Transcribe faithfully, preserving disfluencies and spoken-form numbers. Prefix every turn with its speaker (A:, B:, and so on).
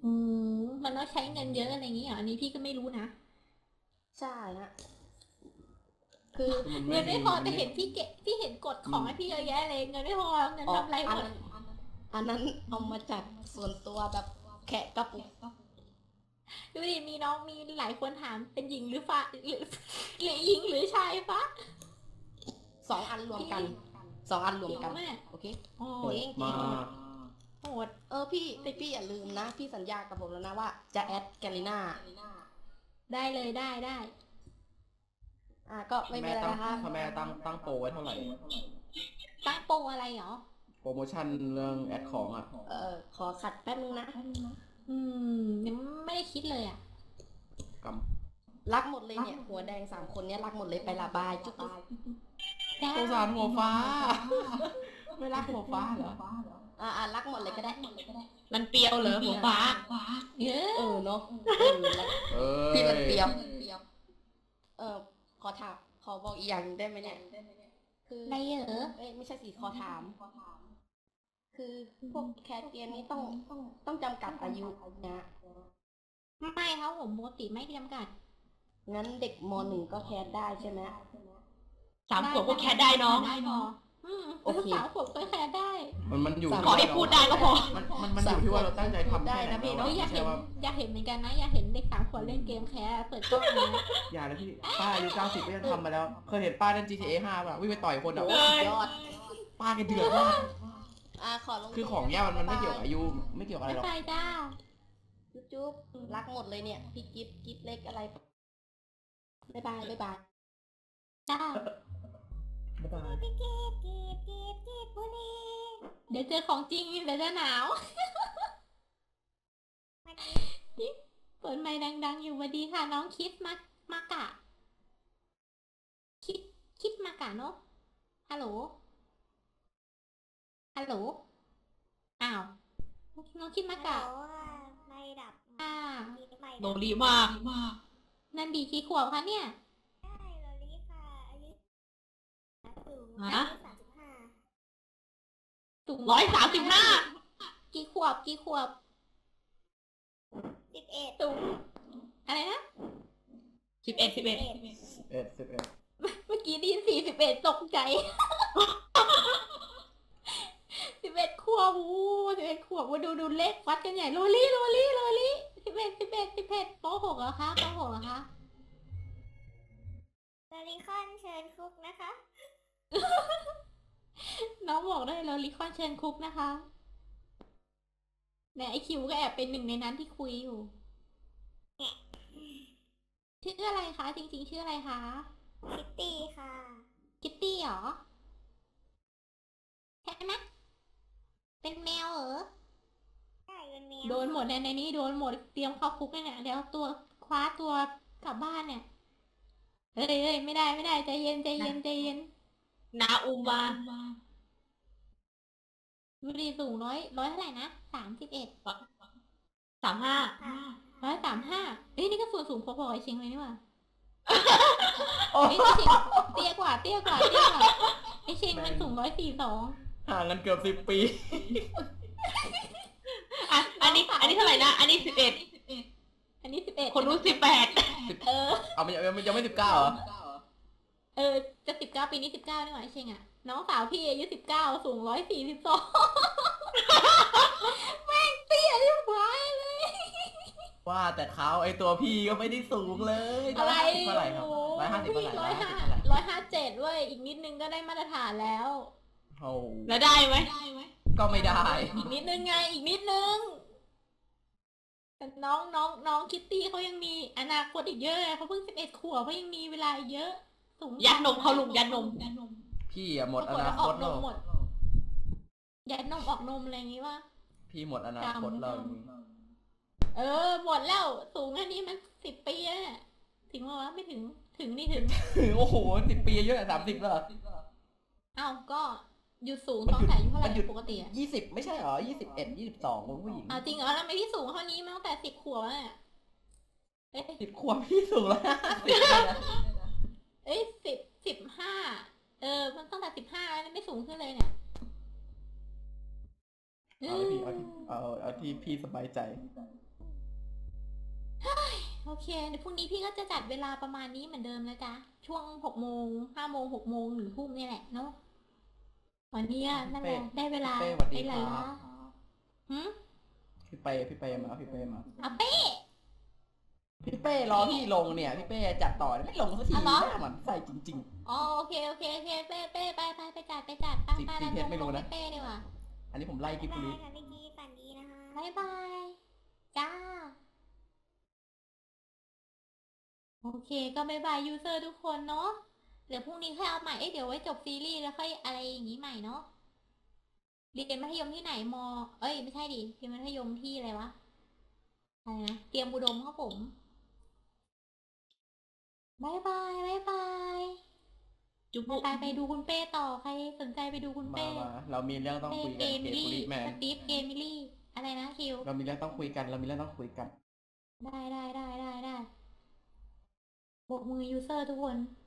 A: อืมมันต้องใช้เงินเยอะอะไรอย่างนี้เหรออันนี้พี่ก็ไม่รู้นะ
B: ใช่ฮะคือ
A: เงินไม่พอแต่เห็นพี่เกะพี่เห็นกดของให้พี่เยอะแยะเลยเงินไม่พอเงินทำอะไรหมด
B: อันนั้นเอามาจากส่วนตัวแบบแขกกระปุก
A: ดูดิมีน้องมีหลายคนถามเป็นหญิงหรือฟ้าหรือหรือหญิงหรือชายฟ้า
B: สองอันรวมกันสองอันรวมกันโอเค
A: โอ้ย
C: มา
A: โหด
B: เออพี่แต่พี่อย่าลืมนะพี่สัญญากับผมแล้วนะว่าจะแอดแกลิน่า
A: ได้เลยได้ได้
B: อ่ะก็ไม่เป็นไรนะคะ
C: พ่อแม่ตั้งตั้งโปรไว้เท่าไหร่
A: ตั้งโปรอะไรเหรอ
C: โปรโมชั่นเรื่องแอดของอ่ะ
B: เออขอขัดแป๊บนึงนะ
A: อืมยังไม่ได้คิดเลยอ่ะ
C: ก
B: รักหมดเลยเนี่ยหัวแดงสามคนเนี้ยรักหมดเลยไประบายจุ๊บ
C: สงสารหัวฟ้าไม่รักหัวฟ้าเหรอ
B: อ่ารักหมดเลยก็ได้
A: มันเปรี้ยวเหรอหัวฟ้าเ
B: ออเนาะพี่มันเปรี้ยวเออขอถามขอบอกอีกอย่างได้ไหมเนี่ย
A: คืออะไรเหรอ
B: เอ้ยไม่ใช่สิขอถามคือพวกแคสเกมนี้ต้องต้องต้องจำกัดอายุนะ
A: ไม่ครับผมปกติไม่จำกัด
B: งั้นเด็กมหนึ่งก็แคสได้ใช่ไหม
A: สามขวบก็แคสได้น้องโอเคสามขวบก็แคสได้
C: มันมันอยู่
A: ขอให้พูดได้ก็พอ
C: มันมันมันอยู่ที่ว่าเราตั้งใจทำ
B: ได้นะพี่
A: น้องอยากเห็นอยากเห็นเหมือนกันนะอยากเห็นเด็กสามขวบเล่นเกมแคสเปิดกล้องนะ
C: อย่าเลยพี่ป้าอายุเก้าสิบก็ยังทำมาแล้วเคยเห็นป้าเล่น จี ที เอ ห้าป่ะวิ่งไปต่อยคนอ่ะ
B: ยอด
C: ป้าแกเดือดมาก
B: อ่าขอลง
C: คือของเนี้ยมันมันไม่เกี่ยวกับอายุไม่เกี่ยวกับอะไรหรอก
A: ไปจ้า
B: จุ๊บรักหมดเลยเนี่ยพี่กิฟกิฟเล็กอะไรบ๊ายบายบ๊ายบาย
A: จ้า
C: บ๊ายบาย
A: พี่กิฟกิฟกิฟกิฟบุรีเดี๋ยวเจอของจริงเดี๋ยวจะหนาวเปิดไมค์ดังๆอยู่สวัสดีค่ะน้องคิดมามากะคิดคิดมากะเนาะฮัลโหลฮัลโหลอ้าวน้องคิดมากะ
D: ไม่ดับ
A: อ่า
C: โนรีมาก
A: นั่นดีกี่ขวบคะเนี่ย
D: ใช่โนรีค่ะอายุสูง
A: ฮะ
D: สามสิบห้า
A: สูงร้อยสามสิบห้ากี่ขวบกี่ขวบ
D: สิบเอ็ด
A: สูงอะไรนะสิบเอ็ดสิบเอ็ด
C: สิบเอ็ดสิบเอ็ด
A: เมื่อกี้ได้ยินสี่สิบเอ็ดตกใจสิบเอ็ดขวบวู้สิบเอ็ดขวบว่าดูดูเลขวัดกันใหญ่โรลี่โรลี่โรลี่สิบเอ็ดสิบเอ็ดสิบเอ็ดโป๊หกเหรอคะโป๊หกเหรอคะ
D: โรลิคอนเชิญคุกนะคะ
A: น้องบอกได้โรลิคอนเชิญคุกนะคะเนี่ยไอคิวก็แอบเป็นหนึ่งในนั้นที่คุยอยู่ชื่ออะไรคะจริงๆชื่ออะไรคะ
D: คิตตี้ค่ะ
A: คิตตี้เหรอใช่ไหมเป็นแมวเหรอ
D: ใช่เป็นแมว
A: โดนหมดในนี้โดนหมดเตรียมเข้าคุกเนี่ยเดี๋ยวตัวคว้าตัวกลับบ้านเนี่ยเอ้ยเอ้ยไม่ได้ไม่ได้ใจเย็นใจเย็นใจเย็นนาอุมาดูดีสูงร้อยร้อยเท่าไหร่นะสามสิบเอ็ดสามห้าร้อยสามห้าเอ้ยนี่ก็ส่วนสูงพอๆไอเชงเลยนี่หว่าไอเชงเตี้ยกว่าเตี้ยกว่าเตี้ยกว่าไอเชงมันสูงร้อยสี่สอง
C: ห่างกันเกือบสิบปี
A: อันอันนี้อันนี้เท่าไหร่นะอันนี้สิบเอ็ดอันนี้สิบเอ็ดคนรู้สิบแปดเออ
C: เอามันยังยังไม่สิบเก้าเหรอ
A: เออจะสิบเก้าปีนี้สิบเก้านี่หว่าไอเชงอ่ะน้องสาวพี่อายุสิบเก้าสูงร้อยสี่สิบสองแม่งเตี้ยที่หายเลย
C: ว่าแต่เขาไอตัวพี่ก็ไม่ได้สูงเลย
A: อะไร
C: เท่าไหร่ครับร้อยห้าสิบเท่าไหร่
A: ร้อยห้าร้อยห้าเจ็ดเว้ยอีกนิดนึงก็ได้มาตรฐานแล้ว
C: โอ้
A: แล้วได้ไหม
C: ก็ไม่ได้
A: อีกนิดนึงไงอีกนิดนึงแต่น้องน้องน้องคิตตี้เขายังมีอนาคตอีกเยอะเขาเพิ่งสิบเอ็ดขวบเขายังมีเวลาเยอะสูงยัดนมเขาลุกยัดนมยัดนม
C: พี่อะหมดอนาคตแล้ว
A: ยัดนมออกนมอะไรอย่างงี้วะ
C: พี่หมดอนาคตแล้ว
A: เออหมดแล้วสูงแค่นี้มันสิบปีแล้วเนี่ยถึงว่าไม่ถึงถึงนี่ถึง
C: โอ้โหสิบปีเยอะสามสิบแล้ว
A: เอ้าก็อยู่สูงตั้งแต่อายุเท่าไหร่ปกติอ่ะ
C: ยี่สิบไม่ใช่หรอยี่สิบเอ็ดยี่สิบสองของผู้หญิง
A: อ้าวจริงเหรอแล้วไม่ที่สูงเท่านี้มาตั้งแต่สิบขวบเนี่ย
C: เอ๊ะสิบขวบพี่สูงแล้ว
A: เอ้ยสิบสิบห้าเออมันตั้งแต่สิบห้าแล้วไม่สูงขึ้นเลยเนี่ย
C: เอาที่เอาที่เอาเอาที่พี่สบายใจ
A: เคเดี๋ยวพรุ่งนี้พี่ก็จะจัดเวลาประมาณนี้เหมือนเดิมนะจ๊ะช่วงหกโมงห้าโมงหกโมงหรือทุ่มนี่แหละเนาะวันนี้อะนั่นแหละได้เวลา
C: พี่เป้สวัสดี
A: ได้
C: ค
A: เว
C: รั
A: ลา
C: บ
A: หืม
C: พี่เป้พี่เป้มาพี่เป้มา
A: อ่ะเป้
C: พี่เป้รอพี่ลงเนี่ยพี่เป้จัดต่อไม่ลงสักที
A: อ่ะเหรอ
C: หน้าหมันใส่จริง
A: อ๋อโอเคโอเคโอเคเป้เป้ไปไปไปจัดไปจัดไป
C: จริง
A: ไป
C: จริงเพชรไม่รู้นะ
A: เป้ดีกว่า
C: ๆ อันนี้ผมไล่กิฟต์
D: บ๊าย
C: บุ
D: บาย
C: รี
D: ค่ะพี่กีฝันดีนะคะ
A: บายบายจ้าโอเคก็บายบายยูเซอร์ทุกคนเนาะเดี๋ยวพรุ่งนี้ค่อยเอาใหม่เอ้ยเดี๋ยวไว้จบซีรีส์แล้วค่อยอะไรอย่างนี้ใหม่เนาะเรียนมัธยมที่ไหนมอ เอ้ยไม่ใช่ดิเรียนมัธยมที่อะไรวะอะไรนะเตรียมอุดมครับผมบายบายบายบาย
B: จุ๊บ
A: ไปไปดูคุณเป้ต่อใครสนใจไปดูคุณ
C: มา
A: เป้
C: มาเรามีเรื่องต้อง
A: เป้
C: คุย
A: เก
C: กัน
A: มิ
C: เกตบุ
A: ลี่
C: รีแมน
A: สตีฟเกมิลี่อะไรนะคิว
C: เรามีเรื่องต้องคุยกันเรามีเรื่องต้องคุยกัน
A: ได้ได้ได้ได้ได้โบกมือยูเซอร์ทุกคน